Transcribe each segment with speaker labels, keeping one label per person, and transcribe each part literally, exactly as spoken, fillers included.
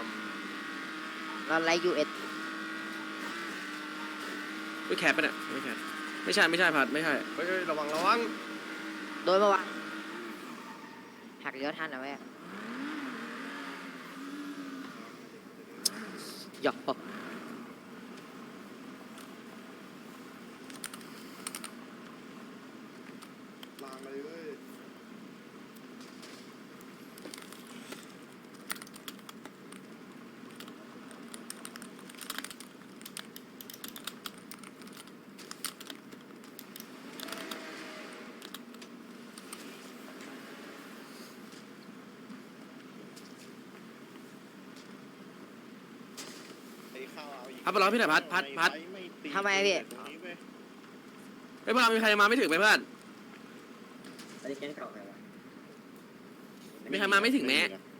Speaker 1: เราไลยูเอส
Speaker 2: ไม่แคปปะเนี่ยไม่แคปไม่ใช่ไม่ใช่พัดไม่ใช่
Speaker 3: เฮ้ยระวังระวัง
Speaker 1: โดยเมื่อวานหักเลี้ยวทันนะแม่หยอก
Speaker 3: ลางเลยเว้ย
Speaker 2: พัดไปรอพี่หน่อยพัดพัดพัด
Speaker 1: ทำไมพี่
Speaker 2: ไม่พอมีใครมาไม่ถึงไหมเพื่อน
Speaker 4: อันนี้แก๊งเก่าไงวะ
Speaker 2: มีใครมาไม่ถึงแม้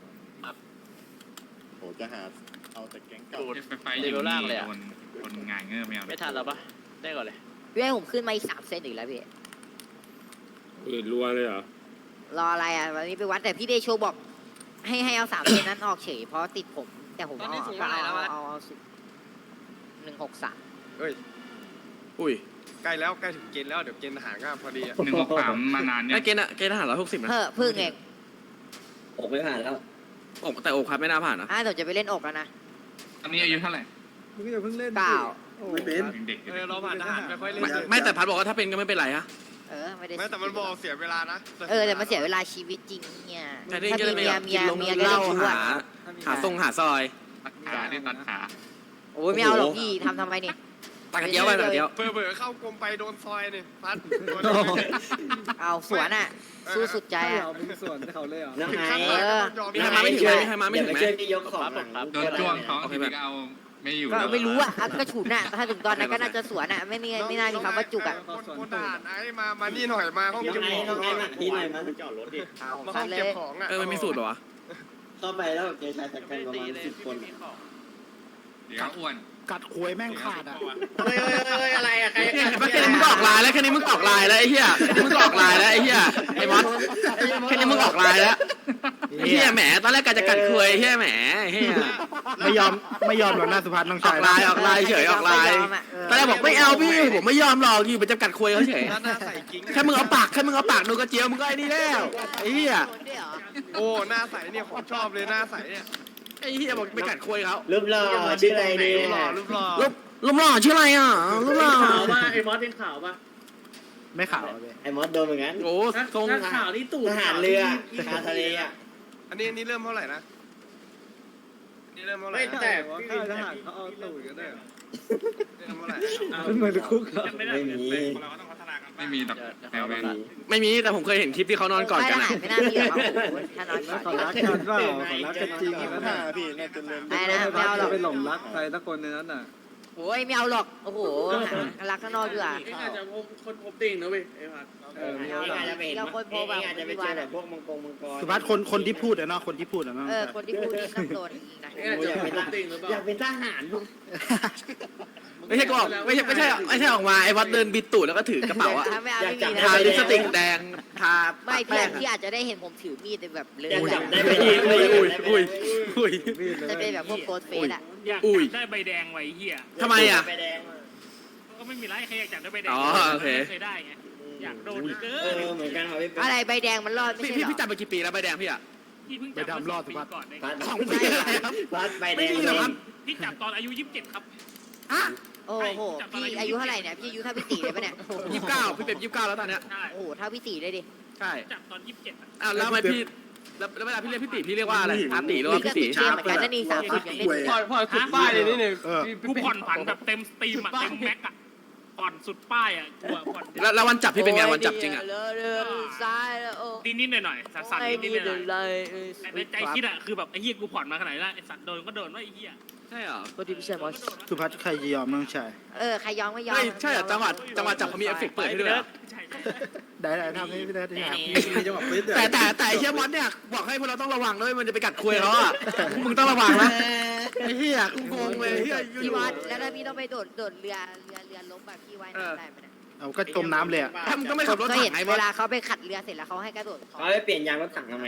Speaker 5: โหจะหาเอาแต่แก๊งเก่า
Speaker 6: ไฟไฟยิงนี่คนคนงานเงื่อไม่เอา
Speaker 7: ไม่ทันแล้วปะได้ก่อนเลย
Speaker 1: พี่ให้ผมขึ้นมาอีกสามเซนอีกแล้วพี่
Speaker 8: อื่นรัวเลยเหรอ
Speaker 1: รออะไรอ่ะวันนี้ไปวัดแต่พี่เดโชบอก ให้ให้เอาสามเซนนั้นออกเฉยเพราะติดผม แต่ผมเอาเอาเอาเอาเอาหนึ่งหกสาม
Speaker 3: เฮ้ย
Speaker 2: อุ้ย
Speaker 3: ใกล้แล้วใกล้ถึงเกณฑ์แล้วเดี๋ยวเกณฑ์ทหารก็พอดีอะ
Speaker 6: หนึ่งหกสามมานานเนี่
Speaker 2: ไอ้
Speaker 6: ย
Speaker 2: เกณฑ์อะเกณฑ์ทหารร้อยหกสิบนะ
Speaker 1: เฮ้อพึ่งเอง
Speaker 4: อกไม่ผ่านแล้ว
Speaker 2: อกแต่อกครับไม่น่าผ่านนะ
Speaker 1: อ่ะเดี๋ยวจะไปเล่นอกแล้วนะ
Speaker 6: ตอนนี้อายุเท่าไหร่
Speaker 3: มึงอย่าเพิ่งเล่น
Speaker 1: เก้า
Speaker 5: ไม่เป็น
Speaker 6: เด็ก
Speaker 3: เออเราผ่านทหารไม่ค่อยเล่น
Speaker 2: ไม่ไม่แต่พัดบอกว่าถ้าเป็นก็ไม่เป็นไรฮะ
Speaker 1: เออไม่ได้
Speaker 3: ไม่แต่มันบอกเสียเวลานะ
Speaker 1: เออแต่มันเสียเวลาชีวิตจริงเนี่ย
Speaker 2: แต่นี่
Speaker 1: ถ้า
Speaker 2: ก็
Speaker 1: มี
Speaker 2: เลย
Speaker 1: เมี
Speaker 2: ไม่
Speaker 1: ย
Speaker 2: อยาก
Speaker 1: เมี
Speaker 2: กิ
Speaker 1: ย
Speaker 2: นลง
Speaker 1: เมียก็
Speaker 2: เหล้า
Speaker 1: เล่นชั่ว
Speaker 2: หาหาทรงหาซอย
Speaker 6: ตัดขาที่ตัดขา
Speaker 1: โอ้ยไม่เอาหรอกพี่ทำทำไมนี่
Speaker 2: ตักกระเจียวไปตักกระเจียว
Speaker 3: เผื่อเผื่อเข้ากรมไปโดนซอยนี่พัดโดน
Speaker 1: เอาสวนอ่ะสู้สุดใจอ่ะ
Speaker 4: น้อง
Speaker 3: ถึง
Speaker 4: ไอ้
Speaker 3: ขั้นเลยต้องยอม
Speaker 2: มีใครมาไม่ถึงไหมมีใครมาไม่ถึงไหม
Speaker 4: เดี๋ยวปช่วยพี่ยกของหลัง
Speaker 6: โดนจ้วงท้องทีนี้ก็เอาไม่อยู่
Speaker 1: ก็ไม่รู้อ่ะอ่ะก็ฉุนอ่ะถ้าถึงตอนนั้นก็น่าจะสวนอ่ะไม่มีไม่น่ามีคำว่าจุกอ่ะ
Speaker 3: คนคนทหารไอ้มามานี่หน่อยมาห้อง
Speaker 4: น้อง
Speaker 3: เก็บ
Speaker 4: ไอ้
Speaker 3: ของ
Speaker 4: น้องไอ้มาที่ไหนมัน
Speaker 5: จอดรถดิ
Speaker 1: เอา
Speaker 3: มา
Speaker 1: คั
Speaker 3: ห้อน ง
Speaker 1: เล
Speaker 3: เก็บ
Speaker 1: ย
Speaker 3: ของอ่ะ
Speaker 2: เออมันมีสูตรเหรอวะ
Speaker 4: เข้าไปแล้วเจอชายชะกันประมาณสิบคน
Speaker 6: เดี๋ยวอ้วน
Speaker 5: กัดควยแม่งขาดอ่ะ
Speaker 4: เฮ้ยเฮ้ยเฮ้ยอะไรอะใคร
Speaker 2: เนี่ยเห็นปะแค่นี้มึงก็ออกลายแล้วแค่นี้มึงก็ออกลายแล้วไอ้เหี้ยแค่นี้มึงก็ออกลายแล้วไอ้เหี้ยไอ้มอสแค่นี้มึงออกลายแล้วไอ้เหี้ยแหมตอนแรกกะจะกัดคุยไอ้เหี้ยแหมไอ้เหี้ย
Speaker 5: ไม่ยอมไม่ยอมหรอกหน้าสุภัฒน์น้อง
Speaker 2: ออ
Speaker 5: ชาย
Speaker 2: กลายออกลายเฉยออกลายตอนแรกบอกไม่เอาพี่ผมไม่ยอมหรอกอยู่เป็นจำกัดคุยเขาเฉย
Speaker 3: หน้าใส่กิ้ง
Speaker 2: แค่มึงเอาปากแค่มึงเอาปากดูกระเจียวมึงก็ไอ้นี่แล้วไอ้เหี้ย
Speaker 3: โอ้หน้าใสเนี่ยของชอบเลยหน้าใสเนี่ย
Speaker 2: ไอ้เหี้ยบอกไปกัดคุยเขา
Speaker 4: รูปหล่อชื่ออะไรเนี่ย
Speaker 3: รูปหล่อรูปหล่อ
Speaker 2: รูปรูปหล่อชื่ออะไรอ่ะรูปหล่อ
Speaker 7: ไอ้มอสเป็นข่าวป่ะ
Speaker 5: ไม่ขาวเลย
Speaker 4: ไอ้มอสโดนเหมือนกัน
Speaker 2: โอ้ทรง
Speaker 7: ข่าวนี่ตู่
Speaker 4: ทหารเรือทหารทะเลอ่ะ
Speaker 3: อันนี้อันนี้เริ่มเท่าไหร่นะนี่เริ่มเท่าไหร่
Speaker 7: ไม่
Speaker 3: นะ
Speaker 7: แต่
Speaker 3: ทหารเขาเอาตูดกันได้เหรอเริ่มเท่าไหร่
Speaker 5: เป็นเหมือนคุก
Speaker 4: ไม่มี
Speaker 6: ไม่มีแบบแนวแวน
Speaker 2: ไม่มีแต่ผมเคยเห็นคลิปที่เขานอนกอดกัน
Speaker 1: ไม่
Speaker 2: อะ
Speaker 1: ไม่น่ามีหรอกครับผมถ้านอนกอด
Speaker 5: เขารักกันเปล่าเขารักกันจริง
Speaker 3: ยี่สิบห้าพี่น่าจะเริ่ม
Speaker 1: ไม่นะไม่เอาหรอก
Speaker 5: ไปหลงรักใครสักคนในนั้นน่ะ
Speaker 1: โอ้ยไม่เอาหรอกโอ้โหรักข้างนอกดีกว่า
Speaker 7: นี่อาจจะคนพบติ่งนะเว้ยไอ้พัด
Speaker 5: เออ
Speaker 1: ไม่เอาหรอก
Speaker 4: อาจจะไปเห็น
Speaker 1: เราคนโพแบบ
Speaker 4: อาจจะไปเจอแบบพวกมังกรมังกร
Speaker 5: สุภัฒน์คนคนที่พูดอะเนาะคนที่พูดอะเนาะ
Speaker 1: เออคนที่พูดนี่ต้องโดนยิงนะ
Speaker 7: นี่อาจจะพบติ่งหรือเปล่า
Speaker 4: อยากเป็นทหาร
Speaker 2: ไม่ใช่ก็ออกไม่ใช่ไม่ใช่ไม่ใช่ออกมาไอ้วัดเดินบิดตูดแล้วก็ถือกระเป๋าอะ
Speaker 1: ถ้าไม่เอาไม่มี
Speaker 2: ทา
Speaker 1: นะ
Speaker 2: ลิปสติกแดงทา
Speaker 1: ไม่พี่
Speaker 2: แป้ง
Speaker 1: พี่อาจจะได้เห็นผมถือมีดแบบเลย
Speaker 4: อยาก
Speaker 1: แบ
Speaker 4: จั
Speaker 1: บบ
Speaker 4: ได้ไป
Speaker 2: อุ้ย
Speaker 4: อีก
Speaker 2: อุ้ยอุ้ยอุ้ย
Speaker 1: จะเป็นแบบพวกโกดเฟสอ่ะ
Speaker 7: อยาก
Speaker 2: อุ้ย
Speaker 7: ได้ใบแดงไว้เหี้ย
Speaker 2: ทำไมอะ
Speaker 4: ไปแดง
Speaker 7: ก็ไม่มีไรใครอยากจับได้ใบแดง
Speaker 2: อ๋อโอเค
Speaker 7: เคยได้ไงอยากโดนเกิ
Speaker 4: เออน เหมือนกันค่ะพี่
Speaker 1: อะไรใบแดงมันรอดไม่
Speaker 2: พี่
Speaker 1: ใช่
Speaker 2: พี่
Speaker 1: เหรอ
Speaker 2: พี่จับไปกี่ปีแล้วใบแดงพี่อะ
Speaker 7: พี่เพิ่งจับมาสองปีก่อนเอง
Speaker 4: พัด
Speaker 2: สองปีอะไรครับ
Speaker 4: พัดไปแด
Speaker 2: ไม่
Speaker 4: ง
Speaker 2: จริงเหรอครับ
Speaker 7: พี่จับตอนอายุยี่สิบเจ็ดครับ
Speaker 2: ฮะ
Speaker 1: โอ้โหพี่อายุเท่าไหร่เนี่ยพี่อายุเท่าพี่ตีเลยปะเนี่ย
Speaker 2: ยี่สิบเก้าพี่เป็นยี่สิบเก้าแล้วตอนเนี้ย
Speaker 7: ใช่
Speaker 1: โอ้โหเท่าพี่ตีเลยดิ
Speaker 2: ใช่
Speaker 7: จับตอนยี่สิบเจ็ด
Speaker 2: อ้าวแล้วทำไมพี่แล้วแล้วเวลาพี่เรียกพี่ตีพี่เรียกว่าอะไรอาตีหรือว่า
Speaker 1: พี่ก็
Speaker 2: พี่ตี
Speaker 1: ติดเกมเหมือนกันนั่นนี่สามสิบยังเล่นอยู่
Speaker 3: พอพอสุดป้ายเลยนี่เนี่ย
Speaker 5: เออ
Speaker 7: กูผ่อนผันแบบเต็มสตรีมอะเต็มแม็กอะผ่อนสุดป้ายอะกูอะผ่อน
Speaker 2: แล้วแล้ววันจับพี่เป็นไงวันจับจริงอะ
Speaker 1: เรือเรือซ้ายแล้วโอ้
Speaker 7: นิดๆหน่อยๆสั่นๆนิดๆหน่อย
Speaker 1: เลย
Speaker 7: ๆแต่ในใจคิดอะคือแบบไอ้เหี้ยกูผ่อนมาขนาดนี้แล้วไอ้สัตว์โดนก็โดนว่าไอ้เหี้ย
Speaker 2: ใช่เหรอ
Speaker 1: ก็ที่พี่เชมอส
Speaker 5: สุภัฒน์ใครจะยอมน้องชาย
Speaker 1: เออใครยอมไม่ยอม
Speaker 2: เฮ้ยใช่เหรอจังหวัดจังหวัดจับเขามีเอฟเฟกต์เปิดให้ด้วยเหรอ
Speaker 7: ใช่
Speaker 5: ได้ได้ทำให้พี่ได้ที่หา
Speaker 2: แต่แต่แต่ไอ้เชี่ยมอสเนี่ยบอกให้พวกเราต้องระวังด้วยมันจะไปกัดคุยเขาอ่ะมึงต้องระวังนะไอ้เหี้ยกูงงเลยเหี้ยอยู่
Speaker 1: พี่วัดแล้วถ้าพี่ต้องไปโดดโดดเรือเรือเรือล้มแบบพี่ว่ายน้ำได้ไหมเนี่ย
Speaker 5: เอาก็จมน้ำเลยอะ
Speaker 2: ถ้ามึงก็ไม่ขับรถ
Speaker 1: ก็
Speaker 2: ถั
Speaker 1: เห็น
Speaker 2: งไงม
Speaker 1: เว
Speaker 2: อส
Speaker 1: ลาเขาไปขัดเรือเสร็จแล้วเขาให้กระโดด
Speaker 4: เขาไปเปลี่ยนยางรถถังทำไมเนี่ย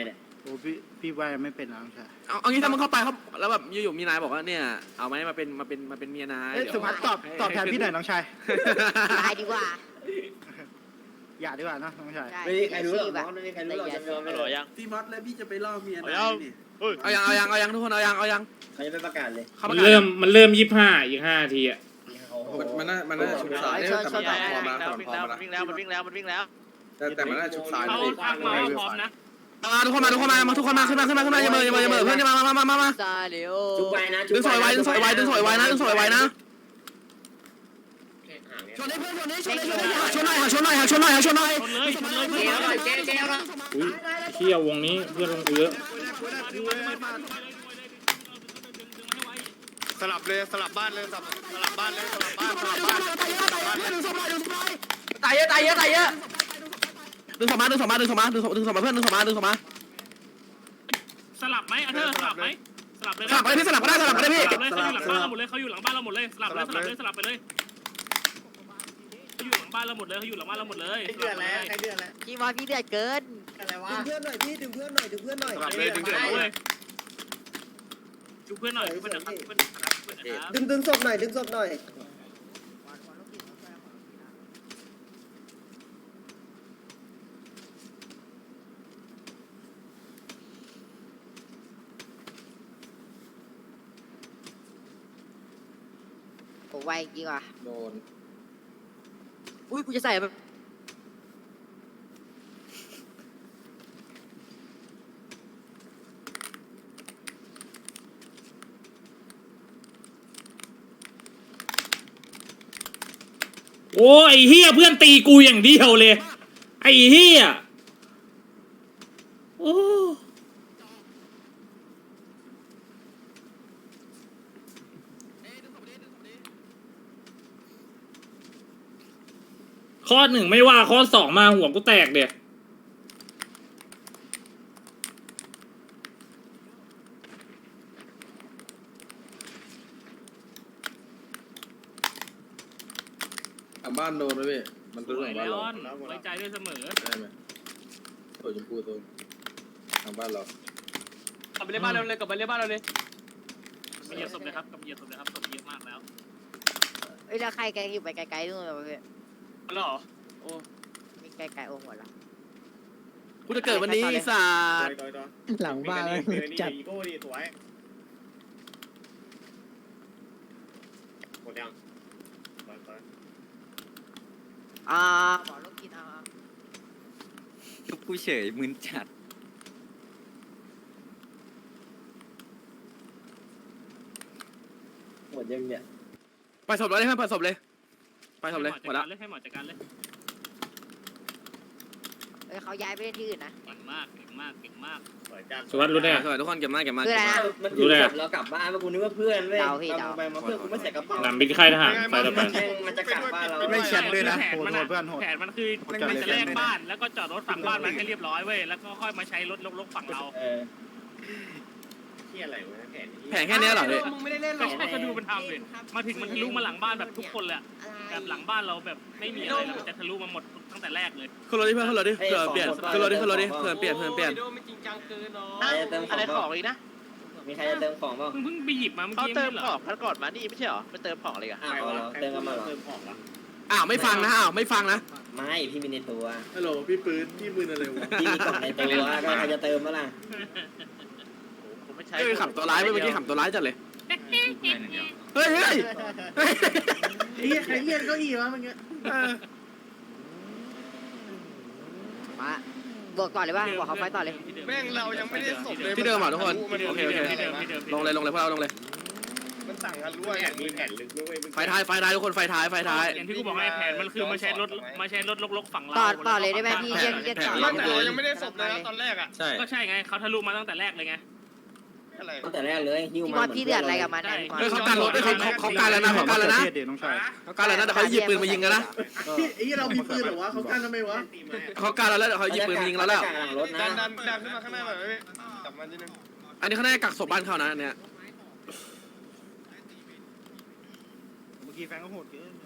Speaker 5: อ้พี่พี่ว่ายังไม่เป็นนะน้องชาย
Speaker 2: เอาเอางี้ถ้ามึงเข้าไปเขาแล้วแบบอยู่ๆมีนายบอกว่าเนี่ยเอาไหมมาเป็นมาเป็นมาเป็นเมียนาย
Speaker 5: เอ้ย
Speaker 2: เดี๋ยว
Speaker 5: สุภัสตอบตอบแทนพี่หน่อยน้องชาย
Speaker 1: ตายดีกว่า
Speaker 5: อย่าดีกว่านะน้องชาย
Speaker 1: ได้
Speaker 4: ไม่มีใครรู้หรอก
Speaker 1: ชีพ
Speaker 4: น้
Speaker 1: อะ
Speaker 4: องไม่มีใครรู้หรอกจะยอมไม่
Speaker 9: อ
Speaker 4: เล
Speaker 9: ร่อย
Speaker 4: ย
Speaker 9: ยัง
Speaker 10: พี่มอสแล้วพี่จะไปล่อเมีย
Speaker 9: เอา
Speaker 10: นาย
Speaker 9: ยัง
Speaker 10: นี่
Speaker 2: เอายังเอายังเอายังทุกคนเอายังเอายัง
Speaker 4: เขาจะไปประกาศเลย
Speaker 2: เข้า
Speaker 8: มั
Speaker 2: มาน
Speaker 8: เริ่มมันเริ่มยี่สิบห้าอีกห้านาทีอะ
Speaker 3: มันน่ามันน่าชุดซ้าย
Speaker 1: ชนชน
Speaker 3: แต่
Speaker 1: ต่อ
Speaker 3: มัน
Speaker 1: ได้
Speaker 3: พอ
Speaker 1: นะ
Speaker 3: มา
Speaker 9: วิ่งแล้วมันวิ่งแล้วมันวิ่งแล้วมันวิ่งแล้ว
Speaker 3: แต่แต่มันน่าชุดซ้าย
Speaker 7: เขาทักมาว่าพร้อมนะ
Speaker 2: มาทุกคนมาทุกคนมามาทุกคนมาขึ้นมาขึ้นมาขึ้นมาอย่าเมื่ออย่าเมื่ออย่าเมื่อเพื่อนจะมามามามามา
Speaker 1: ซาเลียว
Speaker 4: จุบไปนะ
Speaker 2: ดึงสอยไว้ดึงสอยไว้ดึงสอยไว้นะดึงสอยไว้นะชนให้เพื่อนชนให้ชนให้ชนให้หักชนหน่อยหักชนหน่อยหักชนหน่อยหักชนหน่อย
Speaker 7: ชนเลยชนเลย
Speaker 1: เจ๊เจ๊เจ๊ละ
Speaker 8: อุ้ยเที่ยววงนี้เพื่อนลงเยอะ
Speaker 3: สลับเลยสลับบ้านเลยสลับสลับบ้านเลยสลับบ้านสลับบ้านสลับบ้าน
Speaker 2: ตายเยอะตายเยอะตายเยอะดึงสองมาดึงสองมาดึงสองมาดึงสองดึงสองมาเพื่อนดึงสองมาดึงสองมา
Speaker 7: สลับไหมอันเธอสลับไหมสลับเลย
Speaker 2: สลับไปพี่สลับก็ได้สลับก็ได้พี่
Speaker 7: เขาอยู่หลังบ้านเราหมดเลยเขาอยู่หลังบ้านเราหมดเลยสลับเลยสลับเลยสลับไปเลยเขาอยู่หลังบ้านเราหมดเลยเขาอยู่หลังบ้านเราหมดเลย
Speaker 4: เดือดแล้วใครเดือดแล้ว
Speaker 1: พี่ว่าพี่เดือดเกิน
Speaker 4: อะไรวะ
Speaker 10: ดึงเพื่อนหน่อยพี่ดึงเพื่อนหน่อยดึงเพื่อนหน่อย
Speaker 3: สลับเลยดึง
Speaker 7: เดื
Speaker 3: เดื
Speaker 7: อ
Speaker 3: อ
Speaker 7: ด
Speaker 3: ด
Speaker 7: เลยดูเพื่อนหน่อยดูเพื่อนหน่อยครับเพื่อนนะครับเพื่อนนะครับ
Speaker 10: ดึงดึงศพหน่อยดึงศพหน่อย
Speaker 1: โอ้ไวจริงว่ะ
Speaker 3: โดน
Speaker 1: อุ้ยกูจะใส่แบบ
Speaker 8: โอ้ไอ้เฮียเพื่อนตีกูอย่างเดียวเลยไอ้เฮียโอ้ข้อหนึ่งไม่ว่าข้อสองมาหัวกูแตกเดี๋ย
Speaker 3: หลังบ้านโดนไหมพี่มัน
Speaker 7: ส
Speaker 3: ตัว
Speaker 7: ว
Speaker 3: ห
Speaker 7: ย
Speaker 3: ลังบ้าน
Speaker 7: แล้
Speaker 3: เรา
Speaker 7: วไว้ใจด้วยเสมอ
Speaker 3: ได้ไหมโอ้ยชมพูตัวทางบ้านเรา
Speaker 9: กลับไปเล่นบ้านเราเลยกลับไปเล่นบ้านเราเลย
Speaker 7: กำเหยียบศพเลยครับกำเหยียบศพเลยครับศพเยอะมากแล้ว
Speaker 1: เอ้ยแล้วใครแกอยู่ไปไกลๆนู่นเลย
Speaker 9: แล้วเหรอโอ้
Speaker 1: มีไกลๆโอ้หมดละ
Speaker 2: กูจะเกิดวันนี้ศาสตร์
Speaker 5: หลังบ้านจัด
Speaker 4: อีโก้ดีสวยหมดยัง
Speaker 1: อ่าหมอลูกกินอ่า
Speaker 10: กูเฉยมึนจัด
Speaker 4: หมดยังเนี่ย
Speaker 2: ไปศพเลยเพื่อนไปศพเลยไปศพเลยหมดละ
Speaker 7: ให้หมอจัดการเลย
Speaker 1: เอ้ยเขาย้ายไปเล่นที่อื่นนะ
Speaker 7: เก่งมากเก่งมากเก่งมาก
Speaker 4: สวยจัง
Speaker 8: สวัสดีรู้ได้ไง
Speaker 2: สวยทุกคนเก็บมากเก็บมาก
Speaker 1: คืออะไรนะ
Speaker 4: มันอยู่ศพเรากลับบ้านมากูนึกว่าเพื่อนเว้ย
Speaker 1: เดาพี่เดา
Speaker 4: ไปมาเพื่อนกูไม่ใส่กระเป๋า
Speaker 8: หนำบินค่ายทหารไฟต่อไป
Speaker 4: มันจะกลับบ้านเรา
Speaker 5: ไม่แชทด้วยนะ
Speaker 7: แผน
Speaker 5: โหด
Speaker 7: มัน
Speaker 5: โหดเพื่อนโหด
Speaker 7: แผนมันคือมันจะแลกบ้านแล้วก็จอดรถฝั่งบ้านมันให้เรียบร้อยเว้ยแล้วก็ค่อยมาใช้รถลกๆฝั่งเรา
Speaker 4: เออที่อะไรวะแผน
Speaker 2: แผงแค่นี้เหรอพี่
Speaker 10: มึงไม่ได้เล่นหร
Speaker 7: ก็
Speaker 10: อ
Speaker 7: ใช่ก็ดูมันทำเลยมาถึงมันทะลุมาหลังบ้านแบบทุกคนเลยแบบหลังบ้านเราแบบไม่มีอะไรแล้วมันจะทะลุมาหมดตั้งแต่แรกเลย
Speaker 2: ขึ้นรถดิเพื่อนขึ้นรถดิเพื่อเปลี่ยนขึ้นรถดิขึ้นรถดิเพื่อเปลี่ยนเพื่อเปลี่ยน
Speaker 9: ไม่จริงจังเกินเนาะ
Speaker 4: ใครจะเติมขอ
Speaker 9: อะไร
Speaker 4: ง
Speaker 9: ข
Speaker 4: บ้า
Speaker 9: อง งอีกนะ
Speaker 4: มีใครจะเติมของบ้าง
Speaker 7: เพิ่งเพิ่งไปหยิบมาเมื่อ
Speaker 9: เขา
Speaker 7: กี้
Speaker 9: เติม
Speaker 7: ไม่
Speaker 9: ข
Speaker 7: เหร
Speaker 9: อ
Speaker 7: อง
Speaker 9: พันก่อนมานี่ไม่ใช่เหรอไปเติมของอะไรกัน
Speaker 4: อ้าวเหรอเติมกันมาเหรอ
Speaker 2: อ้าวไม่ฟังนะอ้าวไม่ฟังนะ
Speaker 4: ไม่พี่มีในตัว
Speaker 3: ฮัลโหลพี่ปืนพี่ปืนอะไรวะ
Speaker 4: พี่มีกล่องในตัวก็ใครจะเติมมั้ล่ะ
Speaker 9: ผมไม่ใช้
Speaker 2: เฮ้ยขับตัวร้ายเมื่อกี้ขับตัวร้ายจัดเลย
Speaker 6: เพื่อนอย่างเดียว
Speaker 2: เฮ้ยเฮ้ยเฮ้ย
Speaker 10: ไอ้เหี้ยใครเรียนเก้าอี้วะเมื่อกี้
Speaker 2: เออ
Speaker 1: มาบวกต่อเลยป่ะบวกเขาไฟต่อเลย
Speaker 3: แม่งเรายังไม่ได้ศพเลย
Speaker 2: ที่เดิมเหรอทุกคน
Speaker 3: มัน
Speaker 2: โอเคโอเค
Speaker 7: ที่เดิมที่เดิม
Speaker 2: ลงเลยลงเลยพวกเราลงเลย
Speaker 3: มันสั่งกันรู้ว่า
Speaker 4: แผนมีแผนลึกด้วย
Speaker 2: ไฟท้ายไฟท้ายทุกคนไฟท้ายไฟท้าย
Speaker 7: อย่างที่กูบอกให้แผนมันคือมาใช้รถมาใช้รถลกๆฝั่งเรา
Speaker 1: ต่อต่อเลยได้ไหมพี่เรียกเรียกต่อ
Speaker 3: ไม่แต่เรายังไม่ได้ศพเลยนะตอนแรกอ่ะ
Speaker 2: ใช่
Speaker 7: ก็ใช่ไงเขาทะลุมาตั้งแต่แรกเลยไง
Speaker 3: อะไร
Speaker 4: ตั้งแต่แรกเลยหิ้ว
Speaker 1: พี่
Speaker 4: มา
Speaker 1: บอสพี่เดือดอะไรกับมันเนี่ยพี่บอส
Speaker 2: เฮ้ยเขาการรถเฮ้ยเขาเขาเขาการแล้วนะเขาการแล้วนะ
Speaker 5: เทศเดี๋ยวน้องชาย
Speaker 2: เขาการแล้วนะเดี๋ยวเขาหยิบปืนมายิงกันนะ
Speaker 10: ไอ้เหี้ยเรามีปืนเหรอวะเขากั้นทำไมวะ
Speaker 2: เขาการแล้วแล้วเดี๋ยวเขาหยิบปืนมายิงเราแล้ว
Speaker 4: หลังรถนะ
Speaker 3: ดันดันดันขึ้นมาข้างหน้าหน่อยไหมจับมันนิดนึง
Speaker 2: อันนี้เขาน่าจะกักศพบ้านเขานะอันเนี่ย
Speaker 5: เมื่อกี้แฟนก็โหดเกิน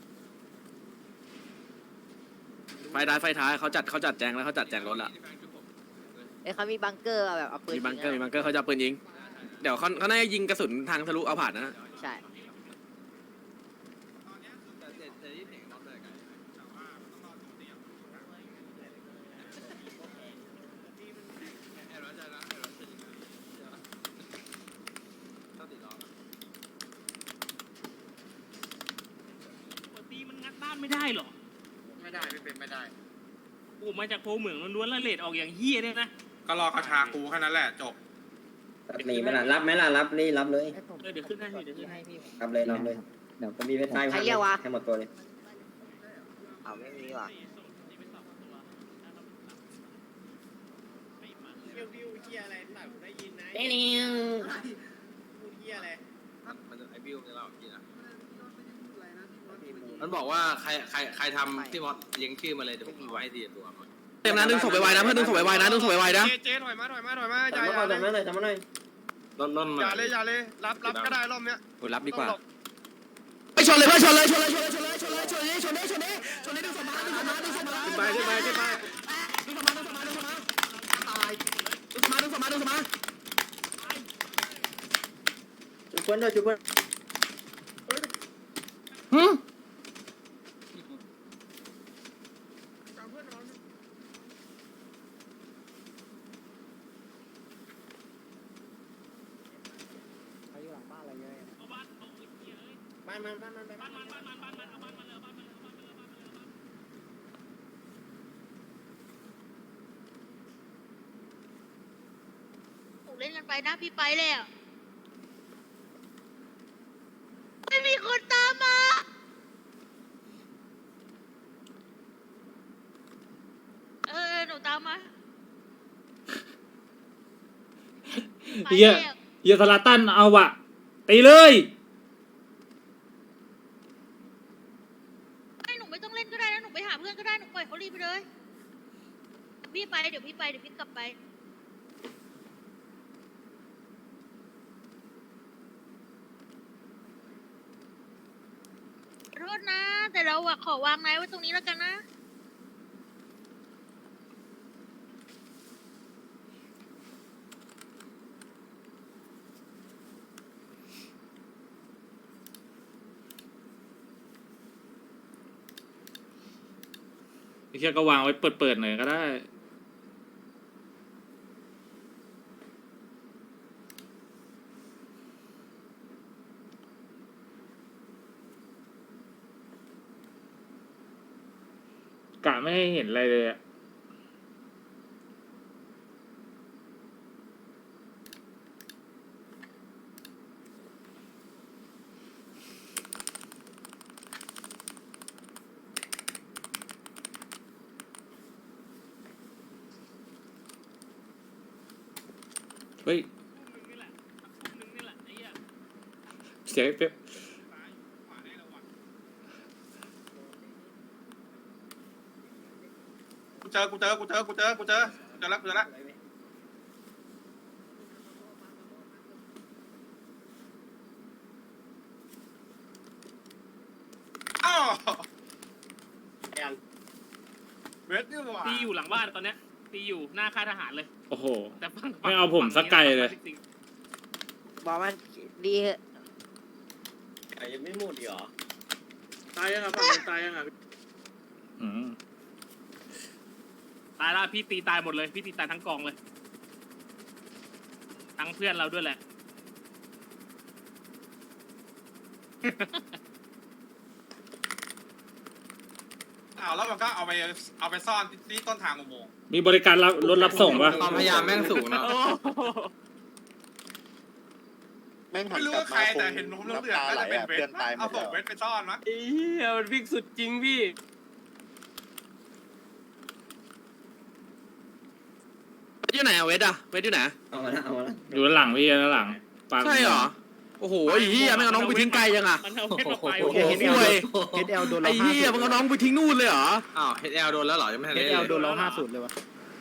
Speaker 2: ไฟท้ายไฟท้ายเขาจัดเขาจัดแจงแล้วเขาจัดแจงรถละ
Speaker 1: อ้ยเขามีบังเกอร์แบบเอาปืน
Speaker 2: มีบังเกอร์
Speaker 1: ยิ
Speaker 2: มี
Speaker 1: งะ
Speaker 2: บังเกอร์เขาจะเอาปืนยิงเดี๋ยวเขาเขาน่าจะยิงกระสุนทางทะลุเอาผ่านนะ
Speaker 1: ใช่
Speaker 7: ปกติมันงัดบ้านไม่ได้หรอ
Speaker 3: ไม่ได้ไม่เป็นไม่ได้
Speaker 7: โอ้มาจากโพเหมืองล้วนๆแล้วเลดออกอย่างเฮี้ยเนี่ยนะ
Speaker 3: ก็รอกระชากูแค่นั้นแหละจบ
Speaker 10: หนีมันอ่ะรับไหมล่ะรับนี่รับเลย
Speaker 1: ให้ผม
Speaker 7: เออเดี๋ยวขึ้นให้เดี๋ยวขึ้นให้
Speaker 10: รับเลยรับเลยเดี๋ยวจะมีเว็บไซต์
Speaker 1: ใครเรียกวะ
Speaker 10: ให้หมดตัวเลย
Speaker 1: เอาไม่มีว่ะ
Speaker 4: วิววิวเฮียอะไรหน่อยผมได้ยินนะ
Speaker 1: เด้นิว
Speaker 4: พูดเฮียอะไร
Speaker 3: มันไอ้บิวเนี่ยเรากินอ่ะมันบอกว่าใครใครใครทำที่มอสเลี้ยงชื่อมาเลยเดี๋ยวผมเอาให้ดีตัวมัน
Speaker 2: เต็มนะดึงศพไปไวนะเพื่อนดึงศพไปไวนะดึงศพไปไวนะ
Speaker 3: เจ๊เจ๊ถอยมาถอยมาถอยมาอย่า
Speaker 10: จำ
Speaker 3: อ
Speaker 10: มา
Speaker 3: ย่า
Speaker 10: หน่อย
Speaker 3: เลย
Speaker 10: จำมาหน่อยจำมาหน่อย
Speaker 3: ล้นล้นอย่าเลยอย่าเลยรับรับก็ได้รอบเนี้ย
Speaker 2: โอ้รับดีกว่า
Speaker 3: ต้องหลบ
Speaker 2: ไปชนเลยเพื่อนชนเลยชนเลยชนเลยชนเลยชนเลยชนเลยชนเลยชนเลยชนเลยดึงศพมาดึงศพมาดึงศพมา
Speaker 3: ขึ้นไปขึ้นไปขึ้นไป
Speaker 2: ดึงศพมาดึงศพมาดึงศพมาตายดึงศพมาดึงศพมาดึงศพมา
Speaker 10: จุดเพื่อนด้วยจุดเพื่อน
Speaker 2: หืม
Speaker 7: เอาบ้านเอาไอ้เหี้ยเอ้ย
Speaker 10: บ้านมันบ้านมัน
Speaker 7: บ้านมันบ้านมันบ้านมันเอาบ้านมันเลยเอาบ้านมันเลยเอาบ้านมันเลยเอาบ้านมันเลยเอาบ้านมันเลย
Speaker 11: ถูกเล่นกันไปนะพี่ไปเลยอ่ะไม่มีคนตามมาเออหนูตามมาไป
Speaker 8: เฮีย
Speaker 11: แล้ว
Speaker 8: เฮียสลาตันเอาวะตีเลย
Speaker 11: ไม่หนูไม่ต้องเล่นก็ได้นะหนูไปหาเพื่อนก็ได้หนูปล่อยเขารีบไปเลยพี่ไปเดี๋ยวพี่ไปเดี๋ยวพี่กลับไปขอโทษนะ แต่เราอะขอวางนายไว้ตรงนี้แล้วกันนะ
Speaker 8: ไอ้เฮียก็วางไว้เปิดๆหน่อยก็ได้กะไม่ให้เห็นอะไรเลยอะเฮ้ย
Speaker 7: ทุ่มหนึงนี่แหละทุ่มหนึงนี่แหละไอ้เหี้ย
Speaker 8: เสียงไอ้เป๊ป
Speaker 7: ขวาได้ระวัง
Speaker 3: กูเจอกูเจอกูเจอกูเจอกูเจอเจอแล้วเจอแล้วอ้าวเวทนี่หว่า
Speaker 7: ตีอยู่หลังบ้านตอนเนี้ยตีอยู่หน้าค่ายทหารเลย
Speaker 8: โอ้โห
Speaker 7: แต่ฝั่ง
Speaker 8: ไม่เอาผมสักไกลเลย
Speaker 1: บอกมันดีเหอะ
Speaker 4: ไอ้ยังไม่หมดอีกเหรอ
Speaker 9: ตายยังอ่ะฝั่งตายยังอ่ะ
Speaker 8: อืม
Speaker 7: ตายแล้วพี่ตีตายหมดเลยพี่ตีตายทั้งกองเลยทั้งเพื่อนเราด้วยแหละ
Speaker 3: อ้าวแล้วมันก็เอาไปเอาไปซ่อนที่ต้นทางอุโมงค์
Speaker 8: มีบริการรับรถรับส่งปะ
Speaker 2: ความพยายามแม่งสูงเนาะ
Speaker 7: โอ้โห
Speaker 3: ไม่รู้ว่าใครแต่เห็นนมเหลืองๆน่าจะเป็นเวทเอาศพเวทไปซ่อนมั้ย
Speaker 9: ไอ้เหี้ยมันวิ่งสุดจริงพี่
Speaker 2: อยู่ไหนอะเวทอะเวทอยู่ไหน
Speaker 10: เอามาละเอามาละ
Speaker 8: อยู่ด้านหลังพี่ด้านหลังปาก
Speaker 2: ใช่เหรอโอ้โหไอ้เหี้ยไม่เอาน้องไปทิ้งไกลยังอะ
Speaker 7: มันเอาเพชรมาไป
Speaker 2: โอ้
Speaker 7: โอ้
Speaker 2: โห
Speaker 7: โห
Speaker 2: ห่วย
Speaker 5: เฮดเอลโดน
Speaker 2: ไอ้
Speaker 5: เราห้า
Speaker 2: เหี้ย
Speaker 5: ศูนย์
Speaker 2: มึงเอาน้องไปทิ้งนู่นเลยเหรอ
Speaker 3: อ้าวเฮดแอลโดนแล้วเหรอยังไม่ทัน
Speaker 5: เฮ
Speaker 3: ได้
Speaker 5: ด
Speaker 3: เล
Speaker 5: เอย ลโดนเราห้าศูนย์เลยวะ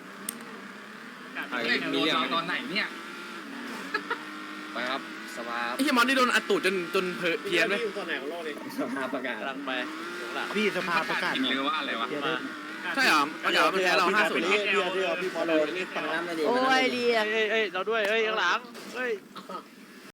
Speaker 6: เล่นโดนเราตอนไหนเนี่ย
Speaker 10: ไปครับสภาพ
Speaker 2: ไอ้เหี้ยมอนนี่โดนอัดตูดจนจนเพี้ยนไหม
Speaker 4: อยู่ตอนไหนของโลกเลย
Speaker 10: สภาพประกาศ
Speaker 9: กำลังไปอยู่ข้างหลัง
Speaker 5: พี่สภาประกาศ
Speaker 6: ผิดหรือว่าอะไรวะ
Speaker 5: เดี๋ยวได้
Speaker 7: การ
Speaker 2: ใช่เหรอมันเดี๋ยวมันแพ้เราห้าศูนย์
Speaker 1: โอ้ยเรีย
Speaker 9: เอ้ยเอ้ยเราด้วยเอ้ยข้างหลังเอ้ย